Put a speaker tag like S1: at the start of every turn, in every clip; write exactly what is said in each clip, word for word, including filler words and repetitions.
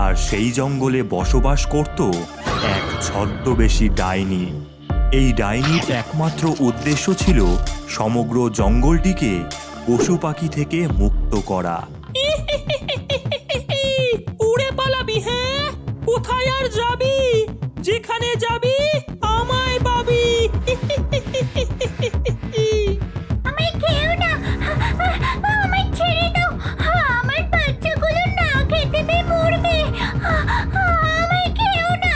S1: আর সেই জঙ্গলে বসবাস করত এক ছদ্মবেশী ডাইনি। এই ডাইনির একমাত্র উদ্দেশ্য ছিল সমগ্র জঙ্গলটিকে পশু পাখি থেকে মুক্ত করা।
S2: উড়ে পালাবি, হ্যাঁ? কোথায় আর যাবি? যেখানে যাবি আমায় পাবি।
S3: আমায় খেও না, আমায় ছেড়ে দাও, আমার বাচ্চাগুলো না খেতে পেয়ে মরবে, আমায় খেও না।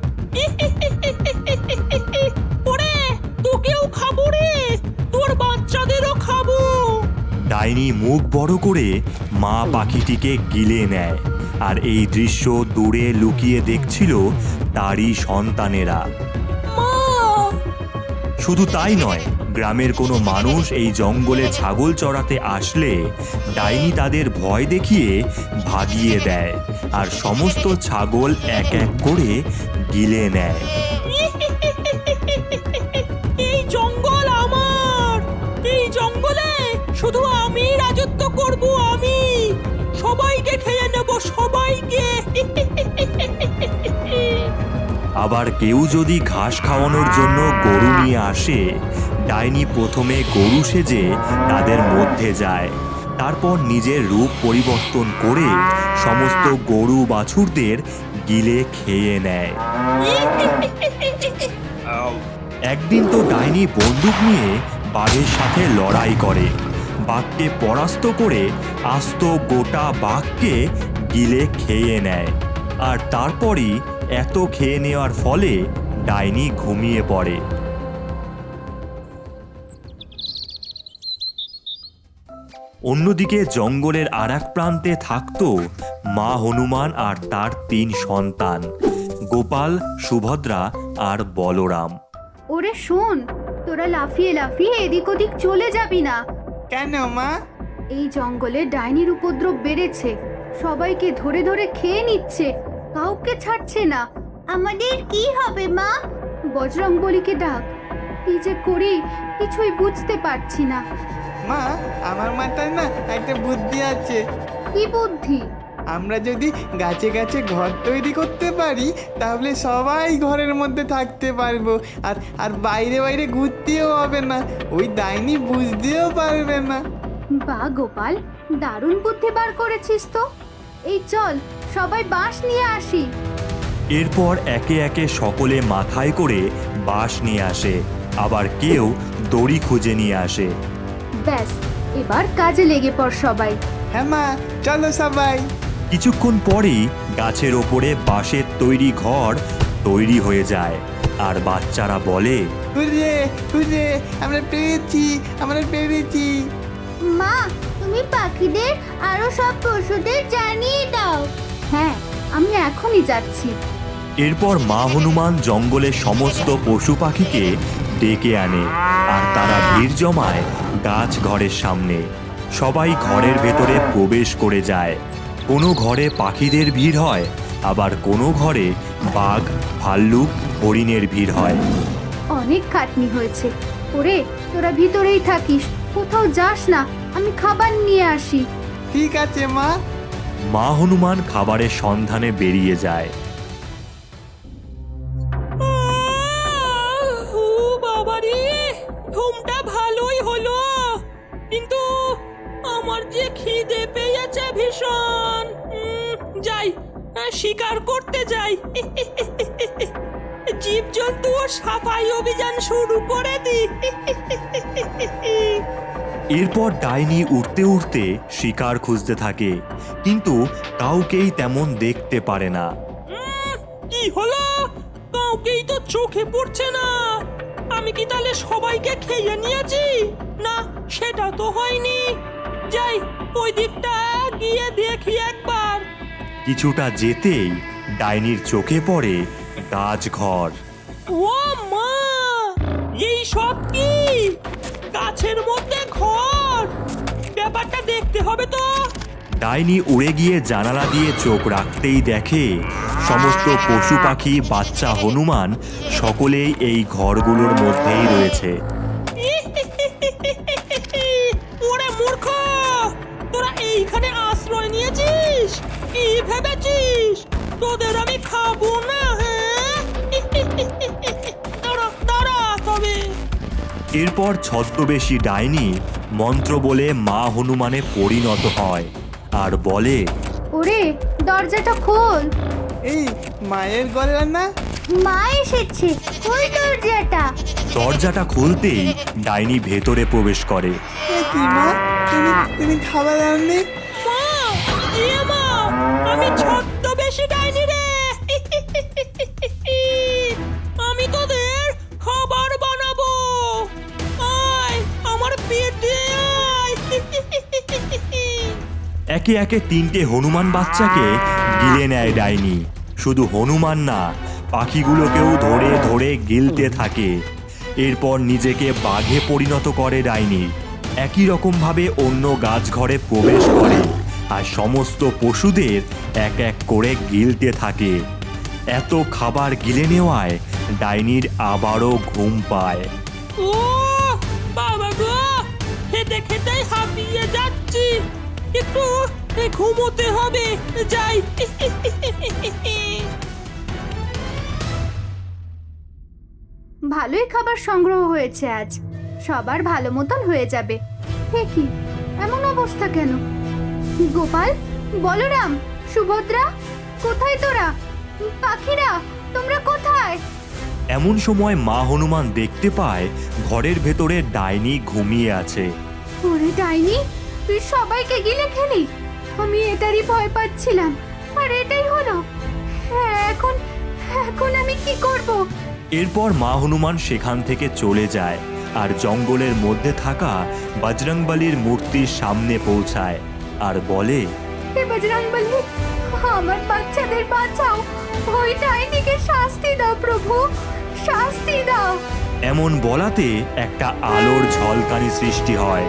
S2: ওরে, তোকেও খাবো রে, তোর বাচ্চাদেরও খাবো।
S1: ডাইনি মুখ বড় করে মা পাখিটিকে গিলে নেয়, আর এই দৃশ্য দূরে লুকিয়ে দেখছিল তারই সন্তানেরা। শুধু তাই নয়, গ্রামের কোনো মানুষ এই জঙ্গলে ছাগল চড়াতে আসলে ডাইনি তাদের ভয় দেখিয়ে ভাগিয়ে দেয়, আর সমস্ত ছাগল এক এক করে গিলে নেয়।
S2: এই জঙ্গল আমার, এই জঙ্গলে শুধু আমি রাজত্ব করব, আমি সবাইকে খেয়ে নেব, সবাইকে।
S1: আবার কেউ যদি ঘাস খাওয়ানোর জন্য গরু নিয়ে আসে, ডাইনি প্রথমে গরু সেজে তাদের মধ্যে যায়, তারপর নিজের রূপ পরিবর্তন করে সমস্ত গরু বাছুরদের গিলে খেয়ে নেয়। একদিন তো ডাইনি বন্দুক নিয়ে বাঘের সাথে লড়াই করে, বাঘকে পরাস্ত করে আস্ত গোটা বাঘকে গিলে খেয়ে নেয়। আর তারপরই এত খেয়ে নেওয়ার ফলে ডাইনি ঘুমিয়ে পড়ে। অন্যদিকে জঙ্গলের আর এক প্রান্তে থাকত মা হনুমান আর তার তিন সন্তান, গোপাল, সুভদ্রা আর বলরাম।
S3: ওরে শোন, তোরা লাফিয়ে লাফিয়ে এদিক ওদিক চলে যাবি না।
S4: কেন মা?
S3: এই জঙ্গলে ডাইনির উপদ্রব বেড়েছে, সবাইকে ধরে ধরে খেয়ে নিচ্ছে, কাউকে ছাড়ছে না। আমাদের কি হবে মা? বজরং বলিকে ডাক। কি যে করি কিছুই বুঝতে পারছি না।
S4: মা, আমার মাথায় না একটা বুদ্ধি আছে।
S3: কি বুদ্ধি?
S4: আমরা যদি গাছে গাছে ঘর তৈরি করতে পারি তাহলে সবাই ঘরের মধ্যে থাকতে পারবো, আর আর বাইরে বাইরে ঘুরতেও হবে না, ওই ডাইনি বুঝতেও পারবে না।
S3: বা গোপাল, দারুণ বুদ্ধি বার করেছিস তো। এই চল সবাই বাঁশ নিয়ে আসি।
S1: এরপর একে একে সকলে মাথায় করে বাঁশ নিয়ে আসে, আবার কেউ দড়ি খুঁজে নিয়ে আসে।
S3: ব্যাস, এবার কাজে লেগে পড় সবাই।
S4: হ্যাঁ মা, চলো সবাই।
S1: কিছুক্ষণ পরেই গাছের ওপরে বাঁশের তৈরি ঘর তৈরি হয়ে যায়, আর বাচ্চারা বলে,
S4: হুররে হুররে, আমরা পেরেছি, আমরা পেরেছি।
S3: মা, তুমি পাখিদের আরো সব পশুদের জানিয়ে দাও। হ্যাঁ, আমি এখনই যাচ্ছি।
S1: এরপর মা হনুমান জঙ্গলের সমস্ত পশু পাখিকে ডেকে আনে, আর তারা ভিড় জমায় গাছ ঘরের সামনে। সবাই ঘরের ভেতরে প্রবেশ করে যায়। কোনো ঘরে পাখিদের ভিড় হয়, আবার কোনো ঘরে বাঘ, ভাল্লুক, হরিণের ভিড় হয়।
S3: অনেক খাটনি হয়েছে। ওরে, তোরা ভিতরেই থাকিস, কোথাও যাস না, আমি খাবার নিয়ে আসি।
S4: ঠিক আছে মা।
S1: মা হনুমান খাবারের সন্ধানে বেরিয়ে যায়।
S2: ও বাবারে, ঘুমটা ভালোই হলো, কিন্তু আমার যে খিদে পেয়েছে ভীষণ। উম, যাই, শিকার করতে যাই। জীবজন্তু সাফাই অভিযান শুরু করে দি।
S1: এরপর ডাইনি উঠতে উঠতে শিকার খুঁজতে থাকে, কিন্তু কাউকেই তেমন দেখতে পারে না।
S2: কি হলো? কাউকেই তো চোখে পড়ছে না। আমি কি তাহলে সবাইকে খেয়ে নিয়েছি? না, সেটা তো হয়নি। যাই, ওই দিকটা গিয়ে দেখি একবার।
S1: কিছুটা যেতেই ডাইনির চোখে পড়ে গাছঘর।
S2: ও মা, এই সব কি? গাছের মধ্যে ঘর, ব্যাপারটা দেখতে হবে তো।
S1: ডাইনি উড়ে গিয়ে জানালা দিয়ে চোখ রাখতেই দেখে সমস্ত পশু পাখি, বাচ্চা, হনুমান সকলেই এই ঘরগুলোর মধ্যেই রয়েছে।
S2: ওরে মূর্খ, তোরা এইখানে আশ্রয় নিয়েছিস? কি ভেবেছিস তোদের আমি খাবো না, হ্যাঁ? দাঁড়া দাঁড়া তবে।
S1: এরপর ছদ্মবেশী ডাইনি মন্ত্র বলে মা হনুমানে পরিণত হয় আর বলে,
S3: ওরে দরজাটা খোল,
S4: এই মায়ের গলা না?
S3: মা এসেছে, খোল দরজাটা।
S1: দরজাটা খুলতেই ডাইনি ভেতরে প্রবেশ করে।
S4: এ কি মা, তুমি তুমি খাবার আনলে?
S2: মা, এ মা, আমি ছদ্মবেশী ডাইনি রে। আমি তোদের খাবার বানাবো। আয় আমার পেটে আয়।
S1: একে একে তিনটে হনুমান বাচ্চাকে গিলে নেয় ডাইনি। শুধু হনুমান না, পাখিগুলোকেও ধরে ধরে গিলতে থাকে। এরপর নিজেকে বাঘে পরিণত করে ডাইনি। একই রকমভাবে অন্য গাছঘরে প্রবেশ করে আর সমস্ত পশুদের এক এক করে গিলতে থাকে। এত খাবার গিলে নেওয়ায় ডাইনির আবারও ঘুম পায়।
S2: ও বাবা গো, খেতে খেতেই হাঁপিয়ে যাচ্ছি, একটু ঘুমোতে হবে, যাই।
S3: ভালোই খাবার সংগ্রহ হয়েছে আজ, সবার ভালো মতন হয়ে যাবে। হে কি, এমন অবস্থা কেন? গোপাল, বলরাম, সুভদ্রা, কোথায় তোরা? পাখিরা, তোমরা কোথায়?
S1: এমন সময় মা হনুমান দেখতে পায় ঘরের ভেতরে ডাইনি ঘুমিয়ে আছে।
S3: ওরে ডাইনি, তুই সবাইকে গিলে খেলি। আমি এটারই ভয় পাচ্ছিলাম, আর এটাই হলো। হ্যাঁ, এখন এখন আমি কি করব?
S1: এরপর মা হনুমান সেখান থেকে চলে যায় আর জঙ্গলের মধ্যে থাকা বজরংবলীর মূর্তির সামনে পৌঁছায় আর বলে,
S3: হে বজরংবলী, আমার বাচ্চাদের বাঁচাও, ওই ডাইনিকে শাস্তি দাও প্রভু, শাস্তি দাও।
S1: এমন বলাতে একটা আলোর ঝলকানি সৃষ্টি হয়।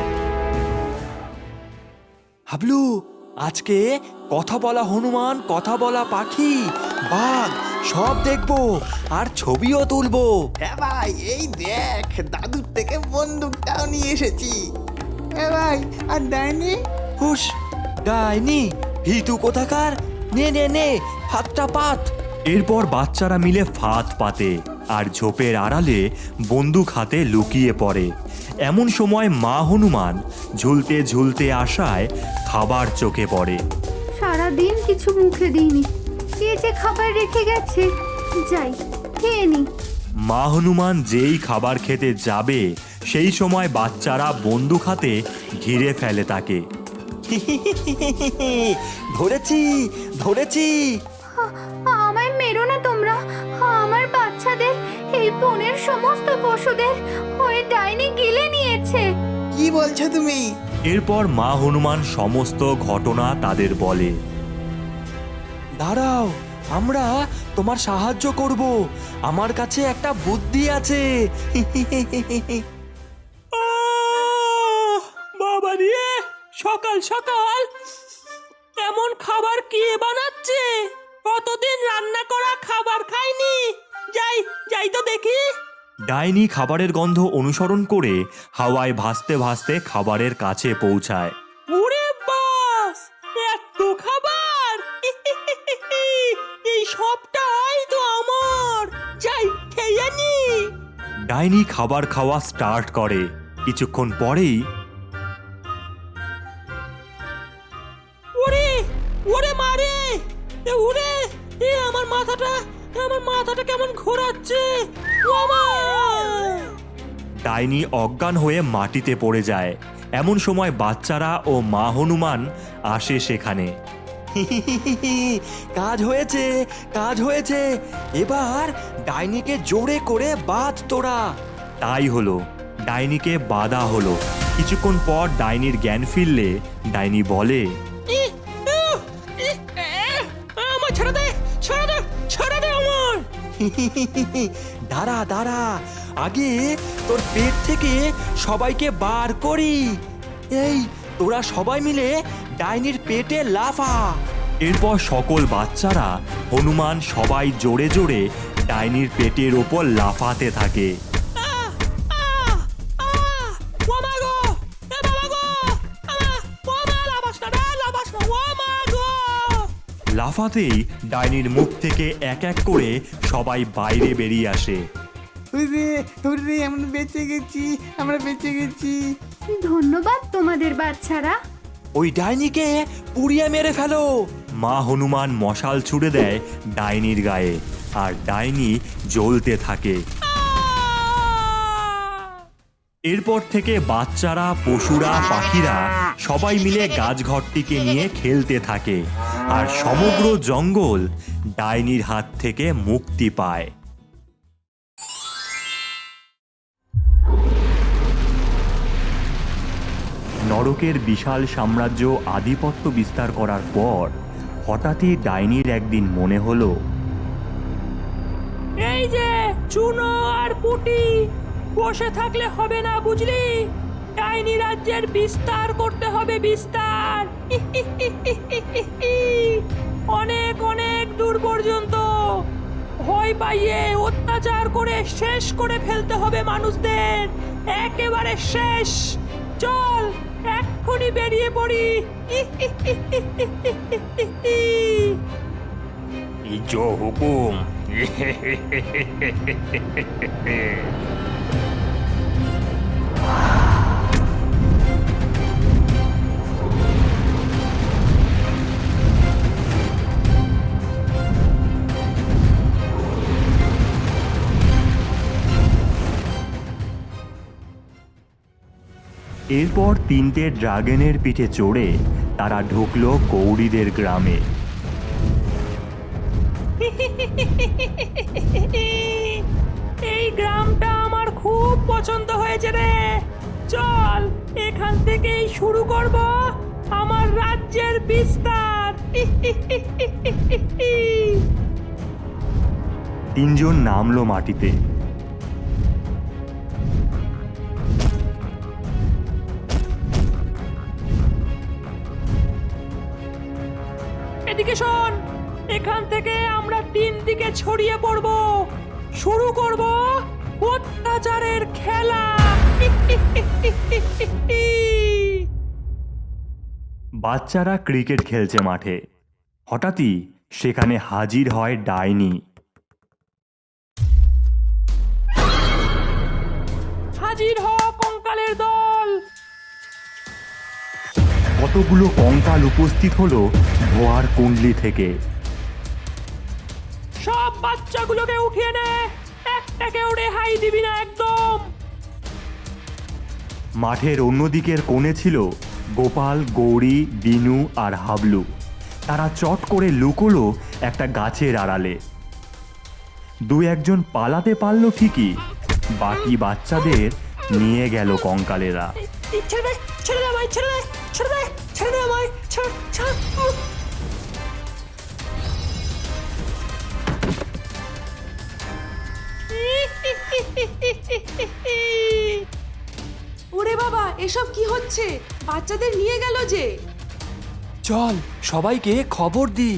S5: হাবলু, আজকে কথা বলা হনুমান, কথা বলা পাখি, বাঘ সব দেখবো আর ছবিও তুলবো।
S4: হ্যাঁ ভাই, এই দেখ দাদুর থেকে বন্দুকটাও নিয়ে এসেছি। হ্যাঁ ভাই, আর ডাইনি?
S5: হুস, ডাইনি ভিতু কোথাকার, নে নে নে হাতটা পাত।
S1: এরপর বাচ্চারা মিলে ফাঁদ পাতে আর ঝোপের আড়ালে বন্দুক হাতে লুকিয়ে পড়ে। এমন সময় মা হনুমান ঝুলতে ঝুলতে আসায় খাবার চোখে পড়ে।
S3: সারা দিন কিছু মুখে দিইনি, কে যে খাবার রেখে গেছে, যাই খেয়ে নি।
S1: মা হনুমান যেই খাবার খেতে যাবে সেই সময় বাচ্চারা বন্দুক হাতে ঘিরে ফেলে তাকে।
S5: ধরেছি ধরেছি।
S3: আ- আমায় মেরো না তোমরা, আমার বাচ্চাদের, এই বনের সমস্ত পশুদের ওই ডাইনি গিলে নিয়েছে।
S4: কি বলছো তুমি?
S1: এরপর মা হনুমান সমস্ত ঘটনা তাদের বলে।
S5: দাঁড়াও, আমরা তোমার সাহায্য করব, আমার কাছে একটা বুদ্ধি আছে।
S2: আহ, বাবা রে, সকাল সকাল এমন খাবার কে বানাচ্ছে? কতদিন রান্না করা খাবার খাইনি। যাই যাই তো দেখি।
S1: ডাইনি খাবারের গন্ধ অনুসরণ করে হাওয়ায় ভাসতে ভাসতে খাবারের কাছে পৌঁছায়।
S2: ওরে বাস, এত খাবার! এই সবটাই তো আমার, যাই খেয়ে নি।
S1: ডাইনি খাবার খাওয়া স্টার্ট করে। কিছুক্ষণ পরেই
S2: ওরে ওরে মারে, এ ওরে, এ আমার মাথাটা, আমার মাথাটা কেমন ঘোরাচ্ছে। ও মা!
S1: ডাইনি অজ্ঞান হয়ে মাটিতে পড়ে যায়। এমন সময় বাচ্চারা ও মা হনুমান আসে সেখানে।
S5: কাজ হয়েছে, কাজ হয়েছে, এবার ডাইনিকে জোরে করে বাঁধ তোরা।
S1: তাই হলো, ডাইনিকে বাধা হলো। কিছুক্ষণ পর ডাইনির জ্ঞান ফিরলে ডাইনি বলে,
S2: ই, উহ, ই, আহ, আমার ছেড়ে দে, ছেড়ে দে, ছেড়ে দে আমার।
S5: দাঁড়া দাঁড়া, আগে তোর পেট থেকে সবাইকে বার করি। এই তোরা সবাই মিলে ডাইনির পেটে লাফা।
S1: এরপর সকল বাচ্চারা, হনুমান সবাই জোরে জোরে ডাইনির পেটের ওপর লাফাতে থাকে।
S2: আহ, আহ, আহ, ও মা গো, এ বাবা গো, আহ, ও মা, লাফাস না রে, লাফাস না, ও মা গো।
S1: লাফাতেই ডাইনির মুখ থেকে এক এক করে সবাই বাইরে বেরিয়ে আসে।
S4: হুররে হুররে আমরা বেঁচে গেছি, আমরা বেঁচে গেছি।
S3: ধন্যবাদ তোমাদের বাচ্চারা।
S5: ওই ডাইনিকে পুড়িয়ে মেরে ফেলো।
S1: মা হনুমান মশাল ছুড়ে দেয় ডাইনির গায়ে, আর ডাইনি জ্বলতে থাকে। এরপর থেকে বাচ্চারা, পশুরা, পাখিরা সবাই মিলে গাছঘরটিকে নিয়ে খেলতে থাকে, আর সমগ্র জঙ্গল ডাইনির হাত থেকে মুক্তি পায়। নরকের বিশাল সাম্রাজ্য আধিপত্য বিস্তার করার পর হঠাৎই ডাইনির একদিন মনে হলো,
S2: এই যে চুনো আর পুটি, বসে থাকলে হবে না বুঝলি, ডাইনি রাজ্যের বিস্তার করতে হবে, বিস্তার। অনেক অনেক দূর পর্যন্ত ভয় পাইয়ে অত্যাচার করে শেষ করে ফেলতে হবে মানুষদের, একেবারে শেষ। চল এক্ষুনি বেরিয়ে পড়ি।
S5: জো হুকুম।
S1: এরপর তিনটে ড্রাগনের পিঠে চড়ে তারা ঢুকলো গৌরীদের গ্রামে।
S2: এই গ্রামটা আমার খুব পছন্দ হয়েছে রে। চল এখান থেকেই শুরু করব আমার রাজ্যের বিস্তার।
S1: তিনজন নামলো মাটিতে।
S2: এদিকে শোন, এখান থেকে আমরা তিন দিকে ছড়িয়ে পড়ব, শুরু করব অত্যাচারের খেলা।
S1: বাচ্চারা ক্রিকেট খেলছে মাঠে। হঠাৎই সেখানে হাজির হয় ডাইনি।
S2: হাজির হ কঙ্কালের দল।
S1: কতগুলো কঙ্কাল উপস্থিত হলো ধোয়ার কুণ্ডলি থেকে।
S2: সব বাচ্চাগুলোকে উঠিয়ে নে, একটাকেও রেহাই দিবি না একদম।
S1: মাঠের অন্যদিকের কোণে ছিল গোপাল, গৌরী, বিনু আর হাবলু। তারা চট করে লুকোলো একটা গাছের আড়ালে। দু একজন পালাতে পারল ঠিকই, বাকি বাচ্চাদের নিয়ে গেল কঙ্কালেরা।
S2: ছেড়ে দে, ছেড়ে দে আমায়, ছেড়ে দে, ছেড়ে দে, ছেড়ে দে আমায়, ছাড়, ছাড়।
S6: ওরে বাবা, এসব কি হচ্ছে? বাচ্চাদের নিয়ে গেল যে।
S5: চল সবাইকে খবর দি।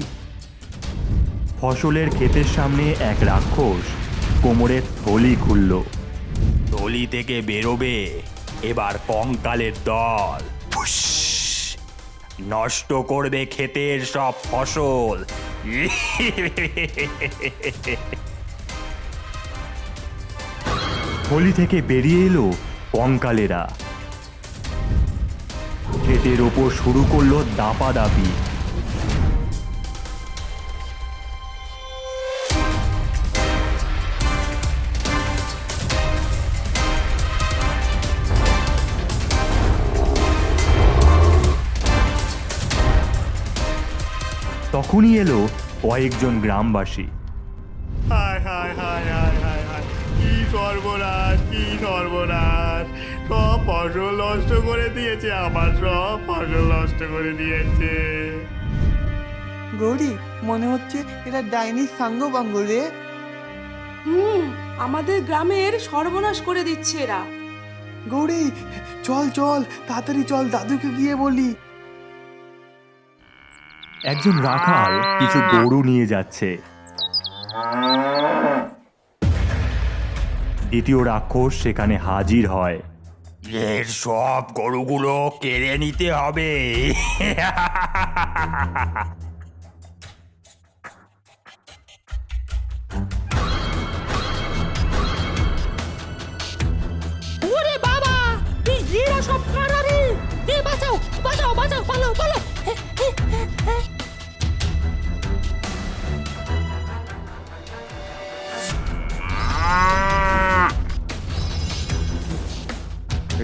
S1: ফসলের ক্ষেতের সামনে এক রাক্ষস কোমরের থলি খুলল।
S5: থলি থেকে বেরোবে এবার কঙ্কালের দল। ফুস! নষ্ট করবে ক্ষেতের সব ফসল।
S1: থলি থেকে বেরিয়ে এলো কঙ্কালেরা। ক্ষেতের ওপর শুরু করলো দাপাদাপি। তখনই এলো কয়েকজন গ্রামবাসী।
S7: হায় হায় হায় হায় হায় হায়, কি সর্বনাশ, কি সর্বনাশ! সব ফসল নষ্ট করে দিয়েছে, আমার সব ফসল নষ্ট করে দিয়েছে।
S4: গৌরী, মনে হচ্ছে এটা ডাইনির সাঙ্গ বাঙ্গ রে।
S6: হুম, আমাদের গ্রামের সর্বনাশ করে দিচ্ছে এরা।
S4: গৌরী, চল চল তাড়াতাড়ি চল, দাদুকে গিয়ে বলি।
S1: একজন রাখাল কিছু গরু নিয়ে যাচ্ছে। দ্বিতীয় রাক্ষস সেখানে হাজির হয়।
S5: এর সব গরুগুলো কেড়ে নিতে হবে।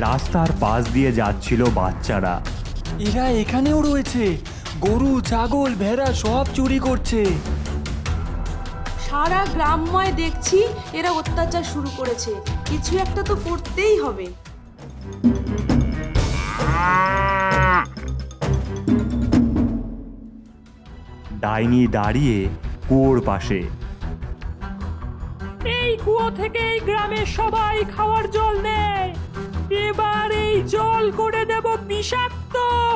S1: রাস্তার পাশ দিয়ে যাচ্ছিল বাচ্চারা।
S5: এরা এখানেও রয়েছে, গরু ছাগল ভেড়া সব চুরি করছে।
S6: সারা গ্রামময় দেখছি এরা অত্যাচার শুরু করেছে, কিছু একটা তো করতেই হবে।
S1: ডাইনি দাঁড়িয়ে কুয়োর পাশে।
S2: এই কুয়ো থেকে এই গ্রামের সবাই খাওয়ার জল নেয়, এবার এই জল করে দেব বিষাক্ত।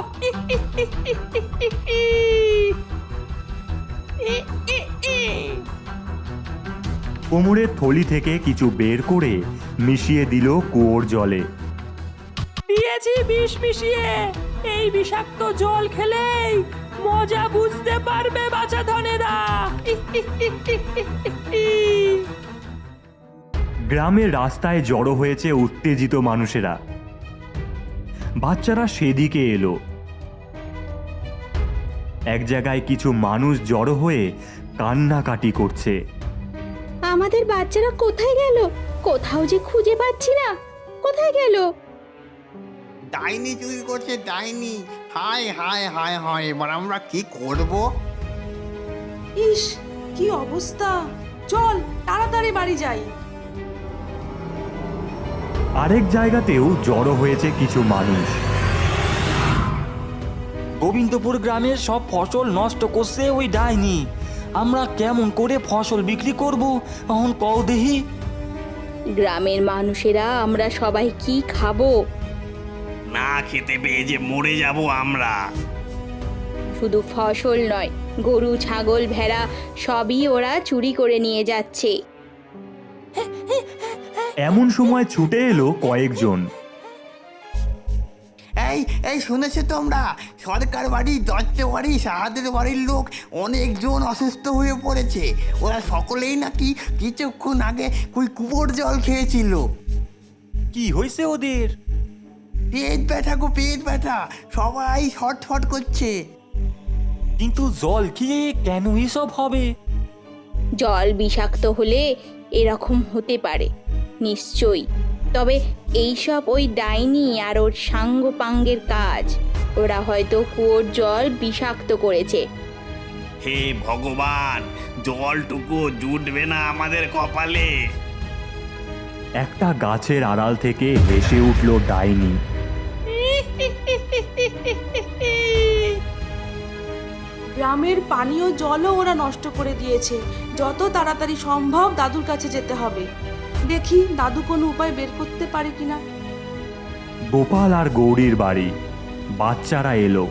S1: কোমরের থলি থেকে কিছু বের করে মিশিয়ে দিল কুয়োর জলে।
S2: দিয়েছি বিষ মিশিয়ে, এই বিষাক্ত জল খেলেই মজা বুঝতে পারবে বাছা ধনেরা।
S1: গ্রামের রাস্তায় জড়ো হয়েছে উত্তেজিত মানুষেরা। বাচ্চারা সেদিকে এলো। এক জায়গায় কিছু মানুষ জড়ো হয়ে কান্নাকাটি করছে।
S3: আমাদের বাচ্চারা কোথায় গেল? কোথাও যে খুঁজে পাচ্ছি না, কোথায় গেল?
S7: ডাইনি চুরি করছে, ডাইনি। হায় হায় হায় হায়, এবার আমরা কি করব?
S6: ইস, কি অবস্থা! চল তাড়াতাড়ি বাড়ি যাই।
S1: আরেক জায়গাতেও জড়ো হয়েছে কিছু মানুষ।
S5: গোবিন্দপুর গ্রামের সব ফসল নষ্ট করছে ওই ডাইনি। আমরা কেমন করে ফসল বিক্রি করব এখন কও দেহি?
S3: গ্রামের মানুষেরা আমরা সবাই কি খাবো?
S7: না খেতে পেয়ে যে মরে যাব আমরা।
S3: শুধু ফসল নয়, গরু ছাগল ভেড়া সবই ওরা চুরি করে নিয়ে যাচ্ছে।
S1: এমন সময় ছুটে এলো কয়েকজন।
S7: এই এই শুনেছো তোমরা? সরকার বাড়ি, দত্ত বাড়ি, সাহাদের বাড়ির লোক অনেকজন অসুস্থ হয়ে পড়েছে। ওরা সকলেই নাকি কিছুক্ষণ আগে ওই কুয়োর জল খেয়েছিল।
S5: কি হয়েছে ওদের?
S7: পেট ব্যথা গো, পেট ব্যথা, সবাই ছটফট করছে।
S5: কিন্তু জল খেয়ে কেন এসব হবে?
S3: জল বিষাক্ত হলে এরকম হতে পারে নিশ্চয়ই, তবে এইসব ওই ডাইনি আর ওর সাঙ্গপাঙ্গের কাজ। ওরা হয়তো কুয়োর জল বিষাক্ত করেছে।
S7: হে ভগবান, জলটুকু জুটবে না আমাদের কপালে।
S1: একটা গাছের আড়াল থেকে হেসে উঠল ডাইনি।
S6: গ্রামের পানীয় জলও ওরা নষ্ট করে দিয়েছে। যত তাড়াতাড়ি সম্ভব দাদুর কাছে যেতে হবে। দেখি দাদু কোনো উপায় বের করতে পারে কিনা।
S1: গোপাল আর গৌরীর বাড়ি। বাচ্চারা এলো।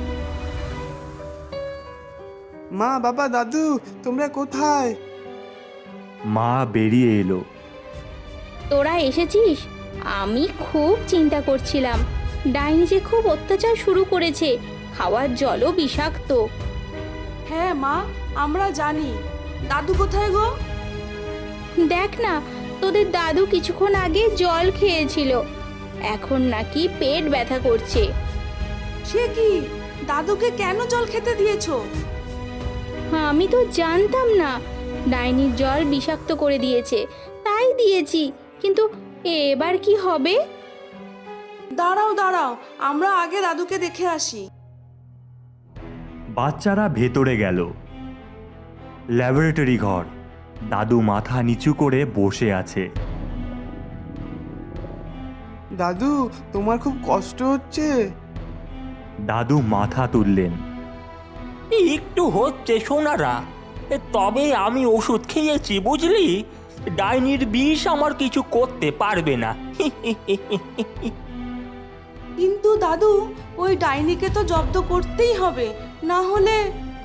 S4: মা বাবা দাদু তোমরা কোথায়?
S1: মা বেরিয়ে এলো।
S3: তোরা এসেছিস? আমি খুব চিন্তা করছিলাম, ডাইনি যে খুব অত্যাচার শুরু করেছে, খাওয়ার জলও বিষাক্ত।
S6: হ্যাঁ মা, আমরা জানি। দাদু কোথায় গো?
S3: দেখ না, তোদের দাদু কিছুক্ষণ আগে জল খেয়েছিল, এখন নাকি পেট ব্যথা করছে।
S6: সে কি? দাদুকে কেন জল খেতে দিয়েছো?
S3: আমি তো জানতাম না ডাইনির জল বিষাক্ত করে দিয়েছে, তাই দিয়েছি। কিন্তু এবার কি হবে?
S6: দাঁড়াও দাঁড়াও, আমরা আগে দাদুকে দেখে আসি।
S1: বাচ্চারা ভেতরে গেল। ল্যাবরেটরি ঘর। দাদু মাথা নিচু করে বসে আছে।
S4: দাদু তোমার খুব কষ্ট হচ্ছে?
S1: দাদু মাথা তুললেন।
S8: একটু হচ্ছে সোনারা, তবে আমি ওষুধ খেয়েছি বুঝলি। ডাইনির বিষ আমার কিছু করতে পারবে না।
S6: কিন্তু দাদু, ওই ডাইনিকে তো জব্দ করতেই হবে, না হলে।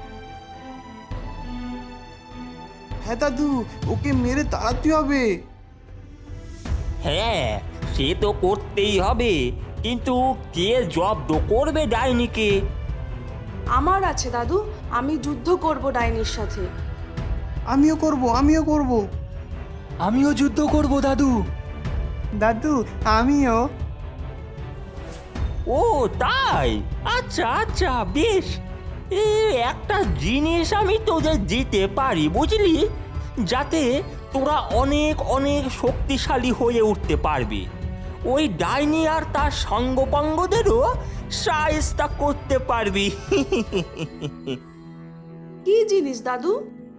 S4: হ্যাঁ দাদু, ওকে মেরে তাড়াতে হবে।
S8: হ্যাঁ, সে তো করতেই হবে, কিন্তু কে জব্দ করবে ডাইনিকে?
S6: আমার আছে দাদু, আমি যুদ্ধ করব ডাইনির সাথে।
S4: আমিও করব আমিও করব
S5: আমিও যুদ্ধ করব দাদু।
S4: দাদু আমিও।
S8: ও তাই? আচ্ছা আচ্ছা, বেশ। এ একটা জিনিস আমি তোদের দিতে পারি বুঝলি, যাতে তোরা অনেক অনেক শক্তিশালী হয়ে উঠতে পারবি। ওই ডাইনি আর তার সঙ্গপাঙ্গদেরও সায়স্তা করতে পারবি।
S6: কি জিনিস দাদু?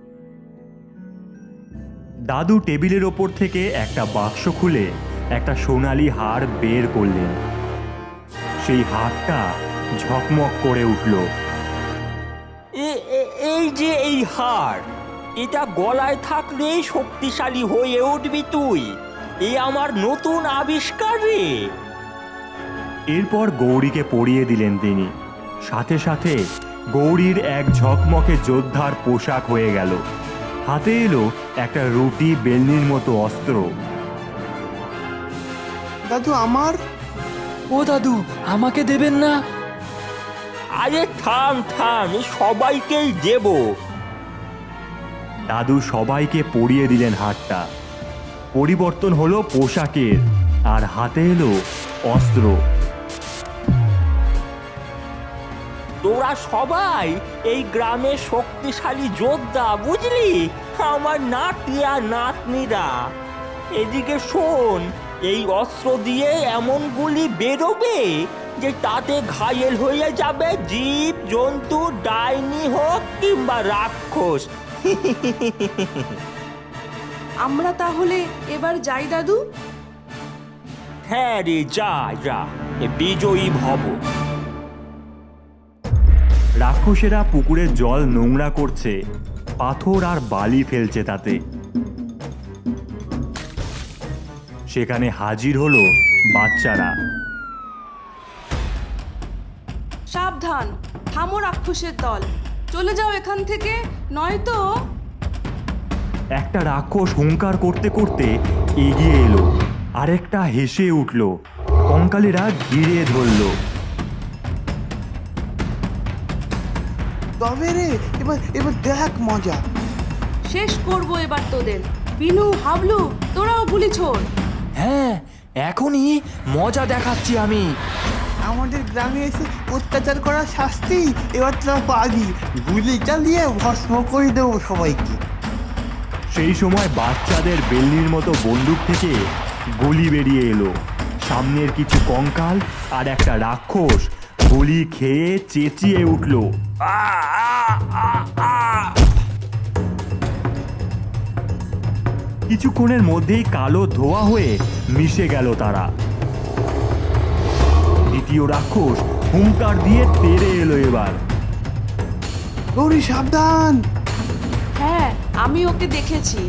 S1: দাদু টেবিলের ওপর থেকে একটা বাক্স খুলে একটা সোনালি হার বের করলেন। সেই হারটা ঝকমক করে উঠল।
S8: এ- এ- এই যে এই হার, এটা গলায় থাকলেই শক্তিশালী হয়ে উঠবি তুই। এ আমার নতুন আবিষ্কার রে।
S1: এরপর গৌরীকে পরিয়ে দিলেন তিনি। সাথে সাথে গৌরীর এক ঝকমকে যোদ্ধার পোশাক হয়ে গেল। হাতে এলো একটা রুটি বেলনির মতো অস্ত্র।
S4: দাদু আমার
S5: ও দাদু, আমাকে দেবেন না?
S8: আরে থাম থাম, এ সবাইকেই দেব।
S1: দাদু সবাইকে পরিয়ে দিলেন হারটা। পরিবর্তন হলো পোশাকের, আর হাতে এলো অস্ত্র।
S8: তোরা সবাই এই গ্রামের শক্তিশালী যোদ্ধা, বুঝলি? আমার নাতি আর নাতনিরা, এদিকে শোন, এই অস্ত্র দিয়ে এমন গুলি বেরোবে যে তাতে ঘায়েল হয়ে যাবে জীব জন্তু, ডাইনি হোক কিংবা রাক্ষস।
S6: আমরা তাহলে এবার যাই দাদু?
S8: হ্যাঁ রে, যা যা, এ বিজয়ী ভব।
S1: রাক্ষসেরা পুকুরের জল নোংরা করছে, পাথর আর বালি ফেলছে তাতে। সেখানে হাজির হলো বাচ্চারা।
S6: সাবধান, থামো রাক্ষসের দল, চলে যাও এখান থেকে, নয়তো।
S1: একটা রাক্ষস হুঙ্কার করতে করতে এগিয়ে এলো, আরেকটা হেসে উঠল। কঙ্কালেরা ঘিরে ধরল।
S4: তবে রে, এবার এবার দেখ মজা।
S6: শেষ করবো এবার তোদের। বিনু, হাবলু, তোরাও গুলি ছোড়।
S5: হ্যাঁ, এখনই মজা দেখাচ্ছি আমি।
S4: আমাদের গ্রামে এসে অত্যাচার করার শাস্তি এবার তোরা পাবি। গুলি চালিয়ে ভস্ম করে দেবো সবাইকে।
S1: সেই সময় বাচ্চাদের বেলনির মতো বন্দুক থেকে গুলি বেরিয়ে এলো। সামনের কিছু কঙ্কাল আর একটা রাক্ষস গুলি খেয়ে চেঁচিয়ে উঠল। কিছুক্ষণের মধ্যেই কালো ধোয়া হয়ে মিশে গেল তারা। দ্বিতীয় রাক্ষস হুঙ্কার দিয়ে তেড়ে এলো এবার।
S4: গৌরী সাবধান!
S6: হ্যাঁ, আমি ওকে দেখেছি।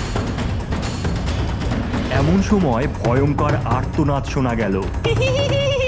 S1: এমন সময় ভয়ঙ্কর আর্তনাদ শোনা গেল।